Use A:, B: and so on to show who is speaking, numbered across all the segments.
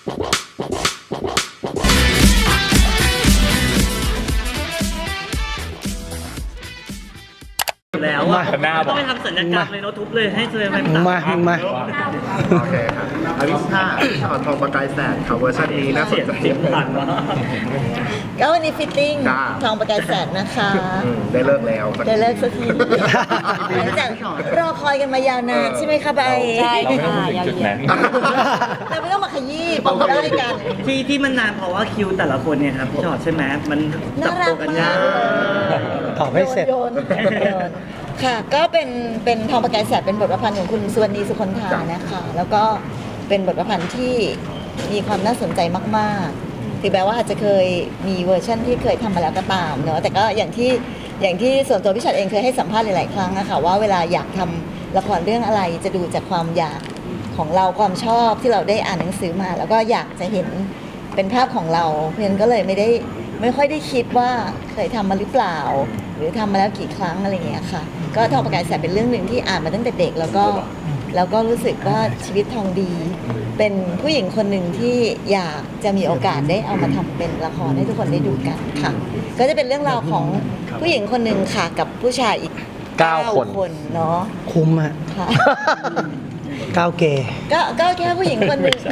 A: แล้วอ่ะต้องไปทำสัญญกรรมเลยโน้ตทุบเลยให้เธอมา
B: โอเคครับอลิซ่าถอดทองประกายแสงครับเวอร์ชันนี้น่าสนใจ
A: เสียงผ่านวะ
C: ก็วันนี้ฟิตติ้งทองประกายแสงนะคะ
B: ได้เลิกแล้ว
C: ได้เลิกสักทีหลังจากรอคอยกันมายาวนานใช่ไหมคะใบใช่ค่ะยาวๆเราไม่ต้องมาขยี้บอกได้กัน
A: ที่มันนานเพราะว่าคิวแต่ละคนเนี่ยครับพี่ชอตใช่ไหมมันจับตัวกันยาก
C: ตอบไม่เสร็จโยนค่ะก็เป็นทองประกายแสงเป็นบทประพันธ์ของคุณสุวรรณีสุคนธานะคะแล้วก็เป็นบทประพันธ์ที่มีความน่าสนใจมากๆถึงแม้ว่าอาจจะเคยมีเวอร์ชันที่เคยทำมาแล้วก็ตามเนอะแต่ก็อย่างที่ส่วนตัวพี่ชัดเองเคยให้สัมภาษณ์หลายๆครั้งนะคะว่าเวลาอยากทำละครเรื่องอะไรจะดูจากความอยากของเราความชอบที่เราได้อ่านหนังสือมาแล้วก็อยากจะเห็นเป็นภาพของเราเพราะฉะนั้นก็เลยไม่ค่อยได้คิดว่าเคยทำมาหรือเปล่าหรือทำมาแล้วกี่ครั้งอะไรอย่างเงี้ยค่ะก็ทองประกายแสงเป็นเรื่องหนึ่งที่อ่านมาตั้งแต่เด็กแล้วก็รู้สึกว่าชีวิตทองดีเป็นผู้หญิงคนหนึ่งที่อยากจะมีโอกาสได้เอามาทำเป็นละครให้ทุกคนได้ดูกันค่ะก็จะเป็นเรื่องราวของผู้หญิงคนหนึ่งค่ะกับผู้ชายอีก9 คนเนาะ
D: คุ้มอะ
C: ค่ะ
D: 9 เกย์
C: ก็แค่ผู้หญิงคนหนึ่ง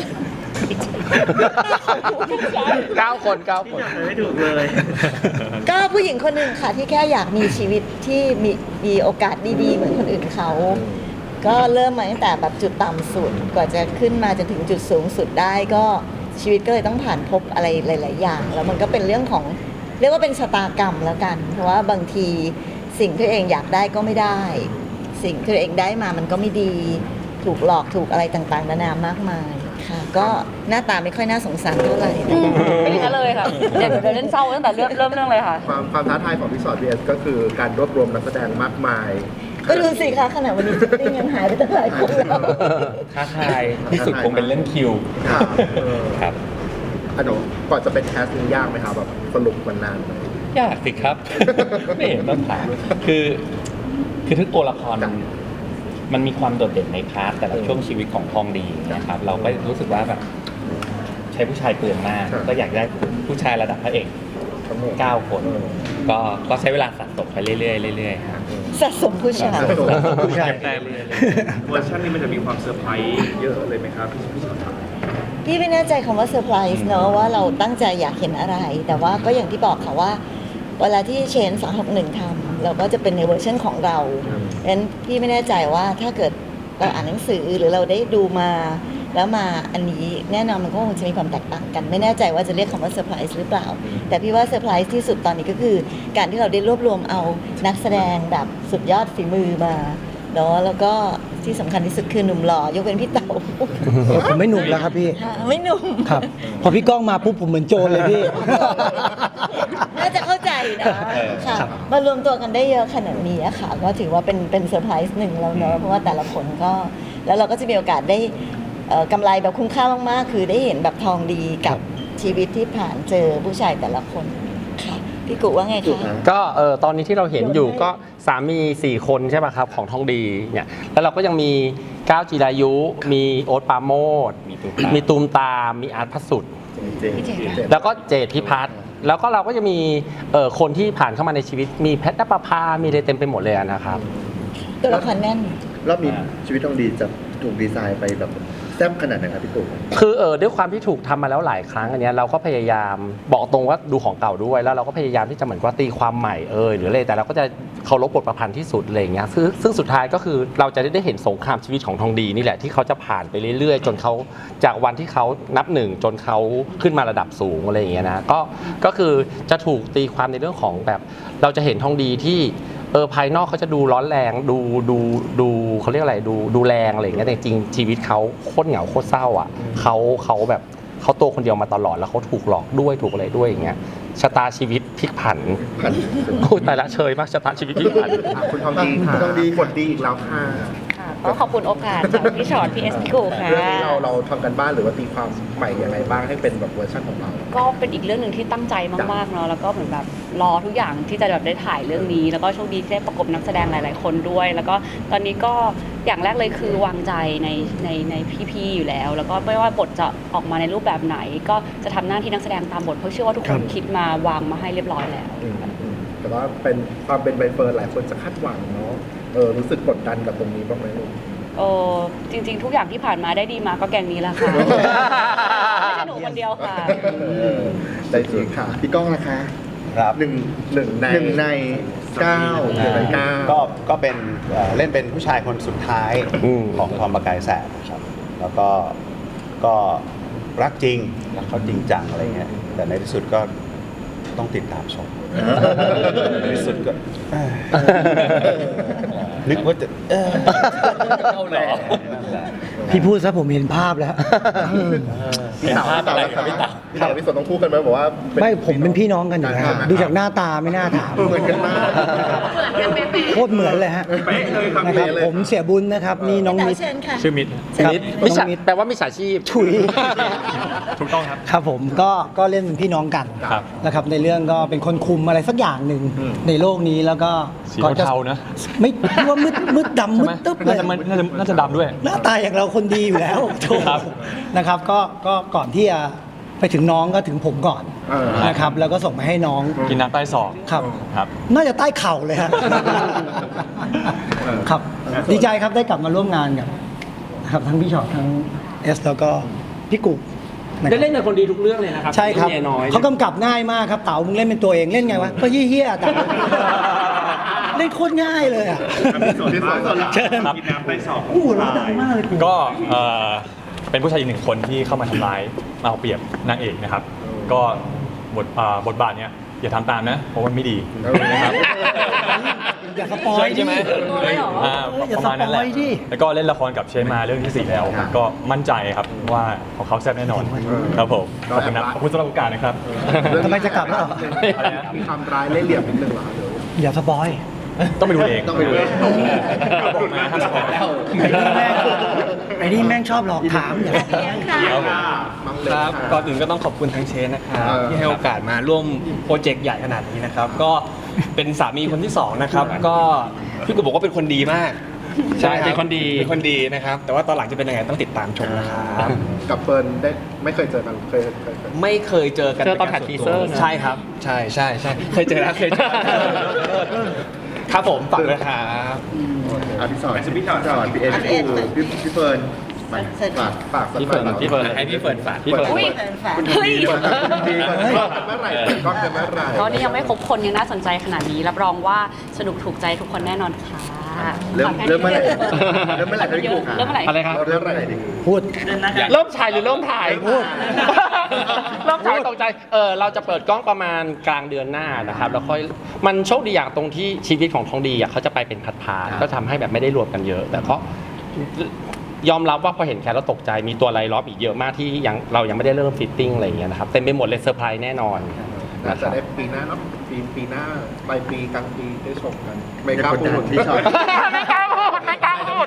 D: 9 คน
A: ไม่ถูกเลย
C: ก็ผู้หญิงคนหนึ่งค่ะที่แค่อยากมีชีวิตที่มีโอกาสดีๆเหมือนคนอื่นเขาก็เริ่มมาตั้งแต่แบบจุดต่ำสุดกว่าจะขึ้นมาจนถึงจุดสูงสุดได้ก็ชีวิตก็เลยต้องผ่านพบอะไรหลายๆอย่างแล้วมันก็เป็นเรื่องของเรียกว่าเป็นชะตากรรมแล้วกันเพราะว่าบางทีสิ่งที่ตัวเองอยากได้ก็ไม่ได้สิ่งที่ตัวเองได้มามันก็ไม่ดีถูกหลอกถูกอะไรต่างๆนานามากมายค่ะก็หน้าตาไม่ค่อยน่าสงสารเท่าไหร่
E: ไม่ได้เลยค่ะเดี๋ยวเล่นเศร้าตั้งแต่เริ่มเรื่องเลยค่ะ
B: ความท้าทายของพี่สอนเบียสก็คือการรวบรวมนักแสดงมากมาย
C: ก็ดูสิคะขณะวันนี้ฟิตติ้งยังหายไปตั้งหลายคนแล้ว
F: ท้าทายที่สุดคงเป็นเรื่องคิวครับ
B: อันนั้นก่อนจะเป็นแคสติ้งยากไหมครับแบบสรุปมันนานไหม
F: ยากสิครับ ไม่เห็นต้องถามคือทุกตัวละครมันมีความโดดเด่นในพาร์ทแต่ละช่วงชีวิตของทองดีนะครับเราก็รู้สึกว่าแบบใช้ผู้ชายเปลืองมากก็อยากได้ผู้ชายระดับพระเอก9 คนก็ใช้เวลาสะสมไปเรื่อยๆครับ
C: สะสมผู้ชาย
B: เวอร์ชันนี้มันจะมีความเซอร์ไพรส์เยอะเลยไหมครับพี่ชอตครับ
C: พี่ไม่แน่ใจคำว่าเซอร์ไพรส์เนอะว่าเราตั้งใจอยากเห็นอะไรแต่ว่าก็อย่างที่บอกค่ะว่าเวลาที่เชน261ทำเราก็จะเป็นในเวอร์ชันของเราดังนั้นพี่ไม่แน่ใจว่าถ้าเกิดเราอ่านหนังสือหรือเราได้ดูมาแล้วมาอันนี้แน่นอนมันก็คงจะมีความแตกต่างกันไม่แน่ใจว่าจะเรียกคำว่าเซอร์ไพรส์หรือเปล่าแต่พี่ว่าเซอร์ไพรส์ที่สุดตอนนี้ก็คือการที่เราได้รวบรวมเอานักแสดงแบบสุดยอดฝีมือมาเนาะแล้วก็ที่สำคัญที่สุดคือหนุ่มหล่อยกเว้นพี่เต๋า
D: ผมไม่หนุ่มแล้วครับพี่
C: ไม่หนุ่ม
D: ครับพอพี่ก้องมาปุ๊บผมเหมือนโจรเลยพี่
C: น่าจะเข้าใจนะค่ะมารวมตัวกันได้เยอะขนาดนี้ค่ะก็ถือว่าเป็นเซอร์ไพรส์หนึ่งแล้วเนาะเพราะว่าแต่ละคนก็แล้วเราก็จะมีโอกาสได้กำไรแบบคุ้มค่ามากๆคือได้เห็นแบบทองดีกับชีวิตที่ผ่านเจอผู้ชายแต่ละคนค่ะพี่กุว่าไงคะ
G: ก็ตอนนี้ที่เราเห็นอยู่ก็สามี4 คนใช่ไหมครับของทองดีเนี่ยแล้วเราก็ยังมีก้าวจิรายุมีโอ๊ตปาโมดมีตูมตามมีอาร์ตพระสุดแล้วก็เจตพิพัฒน์แล้วก็เราก็จะมีคนที่ผ่านเข้ามาในชีวิตมีแพทย์ณปภามีอะไรเต็มไปหมดเลยนะครับ
C: ตัวละครแน่น
B: รอบนี้ชีวิตทองดีจะถูกดีไซน์ไปแบบแซ่บขนาดไหนครับพี่ตู่
G: คือด้วยความที่ถูกทำมาแล้วหลายครั้งอันนี้เราก็พยายามบอกตรงว่าดูของเก่าด้วยแล้วเราก็พยายามที่จะเหมือนว่าตีความใหม่หรืออะไรแต่เราก็จะเคารพบทประพันธ์ที่สุดอะไรอย่างเงี้ยซึ่งสุดท้ายก็คือเราจะได้เห็นสงครามชีวิตของทองดีนี่แหละที่เขาจะผ่านไปเรื่อยๆจนเขาจากวันที่เขานับ1จนเขาขึ้นมาระดับสูงอะไรอย่างเงี้ยนะก็คือจะถูกตีความในเรื่องของแบบเราจะเห็นทองดีที่ภายนอกเขาจะดูร้อนแรงดูเขาเรียกอะไรดูแรงอะไรอย่างเงี้ยแต่จริงชีวิตเขาโคตรเหงาโคตรเศร้าอ่ะเขาแบบเขาตัวคนเดียวมาตลอดแล้วเขาถูกหลอกด้วยถูกอะไรด้วยอย่างเงี้ยชะตาชีวิตพลิกผันโอ้ยตายละเชยมากชะตาชีวิตพลิกผัน
B: คุณทองดีค่ะทองดีกดดีอีกแล้วค่ะ
E: ก็ขอบคุณโอกาสจากพี่ชอตพี่เอสพี่กูค่ะ
B: เรื่องนี้เราทำกันบ้านหรือว่าตีความใหม่ยังไงบ้างให้เป็นแบบเวอร์ชันของเรา
E: ก็เป็นอีกเรื่องหนึ่งที่ตั้งใจมากๆเนาะแล้วก็เหมือนแบบรอทุกอย่างที่จะแบบได้ถ่ายเรื่องนี้ แล้วก็โชคดีที่ได้ประกบนักแสดงหลายๆคนด้วย แล้วก็ตอนนี้ก็อย่างแรกเลยคือวางใจในพี่ๆอยู่แล้ว แล้วก็ไม่ว่าบทจะออกมาในรูปแบบไหน ก็จะทำหน้าที่นักแสดงตามบทเพราะเชื่อว่าทุกคนคิดมาวางมาให้เรียบร้อยแล้ว
B: แต่ว่าเป็นความเป็นใบเฟิร์นหลายคนจะคาดหวังเนาะรู้สึกกดดันกับตรงนี้บ้างไหมลูก
E: โอ้จริง ๆ ทุกอย่างที่ผ่านมาได้ดีมาก็แกงนี้แหละค่ะ ไม่ใช่หนูคนเดียวค่ะ
B: ได้จริงค่ะ พี่ก้องนะคะ
H: ครับ
B: หนึ่งในเก้าหนึ่งในเก้า
H: ก็เป็นเล่นเป็นผู้ชายคนสุดท้ายของทอมประกายแสบครับแล้วก็รักจริงรักเขาจริงจังอะไรเงี้ยแต่ในที่สุดก็ต้องติดตามชมในที่สุดก็นึกว่าจะ
F: เอาเหรอ
D: พี่พูดซะผมเห็นภาพแล้ว
B: พี่เต๋าพี่เต๋าพี่สนต้องพูดกันไหมบอกว่า
D: ไม่ผมเป็นพี่น้องกันอยู่แล้วดูจากหน้าตาไม่น่าถาม
B: เหมือนกันมาก
D: โคตรเหมือนเลยฮะนะครับผมเสียบุญนะครับนี่น้องมิตร
C: เชิญค่ะ
F: ชื่อมิตร
D: ครับ
G: มิจ
D: น้
G: ฉา
D: องมิตร
G: แปลว่ามิจฉาชีพ
D: ถุย
F: ถูกต้องครับ
D: ครับผมก็เล่นเป็นพี่น้องกัน
F: ครับ
D: นะครับในเรื่องก็เป็นคนคุมอะไรสักอย่างหนึ่งในโลกนี้แล้วก็
F: สีเทาๆนะ
D: ไม่คิดว่ามืดดำมืดตึ๊บเลย
F: น่าจะดำด้วย
D: หน้าตาอย่างเราคนดีอยู่แล้วโถ่
F: ครับ
D: นะครับก็ก่อนที่จะไปถึงน้องก็ถึงผมก่อนนะครับแล้วก็ส่งไปให้น้อง
F: กินน้ำใต้ศอก
D: ครับ
F: ครับ
D: น่าจะใต้เข่าเลยฮะครับดีใจครับได้กลับมาร่วมงานกับนะครับทั้งพี่ชอตทั้งเอสแล้วก็พี่กุ๊กะครับ
G: ได้เล่นเป็นคนดีทุกเรื่องเลยนะครับ
D: ใช่ครับ
G: เมียน้อย
D: เขากำกับง่ายมากครับเต๋ามึงเล่นเป็นตัวเองเล่นไงวะก็เฮี้ยๆแต่เล่นโคตรง่ายเลยอ่ะ
B: พี่สน
D: เชิญ
F: ครับ
D: โอ้โหร้องดังมากเลยกู
F: ก็เป็นผู้ชายอีกหนึ่งคนที่เข้ามาทำร้ายมาเอาเปรียบนางเอกนะครับ ก็บทบาทเนี้ยอย่าทำตามนะเพราะมันไม่ดีนะครับ
D: อย่าสปอยดิ
F: ใช่ไหม
D: อย่า
F: ประมาณนั้นแหละ
D: สปอยดิ
F: แล้วก็เล่นละครกับเชนมาเรื่องที่ 4 แล้ว ก็มั่นใจครับว่าของเขาแซ่บแน่นอนครับผมขอบคุณนะขอบคุณสำหรับโอกาสนะครับ
D: ทำไมจะกลับแล้วเหรอ
B: มีความร้ายเล่ห์เหลี่ยมนิดนึงเหรอเดี๋ยว
D: อย่าสปอย
F: ต้องไปดูเอง
B: ต้องไปดูเอง
F: บอกมาห้ามสปอย
D: ไอ้นี่แม่งชอบหลอกถามอย่า
I: ครับก่อนอื่นก็ต้องขอบคุณทางเชนนะครับที่ให้โอกาสมาร่วมโปรเจกต์ใหญ่ขนาดนี้นะครับ ก็เป็นสามีคนที่สองนะครับก็พี่กูบอกว่าเป็นคนดีมาก
G: ใช่เป็นคนดี
I: เป็นคนดีนะครับ แต่ว่าตอนหลังจะเป็นยังไงต้องติดตามชมนะครับ
B: กับเฟิร์นได้ไม่เคยเจอกันเคย
I: ไม่เคยเจอกัน
G: เจอตอนถ่าย
I: ป็
G: ที
I: ก
G: เซอร์
I: ส่วนตัว
G: นะ
I: ใช่ครับ ใช่ใช่ใช่เคยเจอแล้วเคยเจอครับผมฝากด้วยครับ
B: พี่สอนพี่เอสพี่เฟิร์นฝาก
G: พี่เฟิร์นพี่เฟิร์น
I: ให้พี่เฟิร์นฝาก
G: พี่เฟิร์น
E: อุ๊ย เฮ้ย
B: ดีกันเมื่อไหร่ก็กันเมื่อไหร่
E: ก็นี่ยังไม่ครบคนยังน่าสนใจขนาดนี้ รับรองว่าสนุกถูกใจทุกคนแน่นอนค่ะ
B: เริ่มเมื่อไหร่เริ่มเมื่อไหร่พี่กุ๊ก
E: เริ่มเมื่อไหร่
G: อะไรครับ
B: เริ่มเมื่อไหร่ดี
D: พูด
G: เริ่มถ่ายหรือเริ่มถ่ายพูดเริ่มถ่ายตกใจเราจะเปิดกล้องประมาณกลางเดือนหน้านะครับแล้วค่อยมันโชคดีอย่างตรงที่ชีวิตของทองดีอ่ะเขาจะไปเป็นพาร์ทๆก็ทำให้แบบไม่ได้รวมกันเยอะ แต่ก็ยอมรับว่าพอเห็นแคสแล้วตกใจมีตัวไลน์ล้อมอีกเยอะมากที่เรายังไม่ได้เริ่มฟิตติ้งอะไรอย่างเงี้ยนะครับเต็มไปหมดเลยเซอร์ไพรส์แน่นอน
B: น่า
G: นะค
B: จะ
G: รับ
B: ได้ปีหน้าเนาะปีหน้าปลายปีกลางปีได้ชมกันไม่กล้าพูดที่ชอบ
G: ไม่กล้าพูดไม่กล้าพูด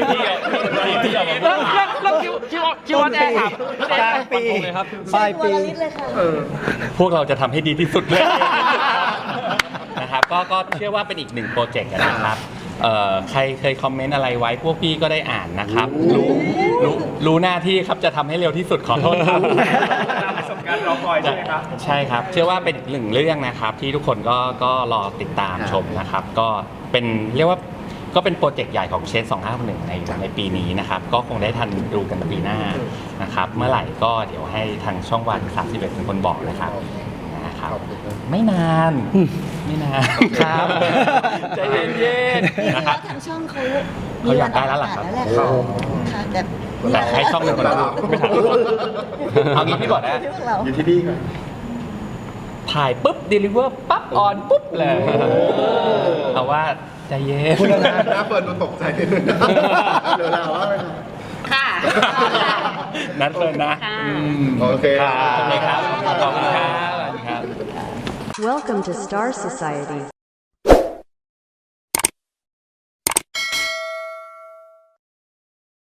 G: แล้วคิวว่าแน่ครับ
D: กลางปี
F: เลยครับ
D: ปลายปี
F: พวกเราจะทำให้ดีที่สุดเลย
G: นะครับก็เชื่อว่าเป็นอีกหนึ่งโปรเจกต์นะครับใครเคยคอมเมนต์อะไรไว้พวกพี่ก็ได้อ่านนะครับรู้หน้าที่ครับจะทำให้เร็วที่สุดขอโทษครับประสบการณ์รอคอยใช่ไหมครับใช่ครับเชื่อว่าเป็นอีกหนึ่งเรื่องนะครับที่ทุกคนก็รอติดตามชมนะครับก็เป็นเรียกว่าก็เป็นโปรเจกต์ใหญ่ของเชน2561ในปีนี้นะครับก็คงได้ทันดูกันปีหน้านะครับเมื่อไหร่ก็เดี๋ยวให้ทางช่องวัน31เป็นคนบอกนะครับไม่นานครับ ใจเย็นๆนะครับ
C: ทางช่องเขา
G: เขาอยากได้แล้วล่ะครับ
C: นั่นแหละค่ะค่ะแต่
G: แต่ให้ช่องหนึ่งคนละไม่ทันเอางี้พี่บอกนะ
B: อยู่ที่นี่ก่อน
G: ถ่ายปุ๊บเดลิเวอร์ปั๊บออนปุ๊บเลยเอาว่าใจเย็น
B: หน้าเฟิร์นดูตกใจนิดนึงเดี๋ยวเราว่าไป
E: ค่ะ
G: นัดเฟิร์นนะ
E: ค่ะ
B: โอเค
G: ครับขอบคุณครับ
J: Welcome to Star Society.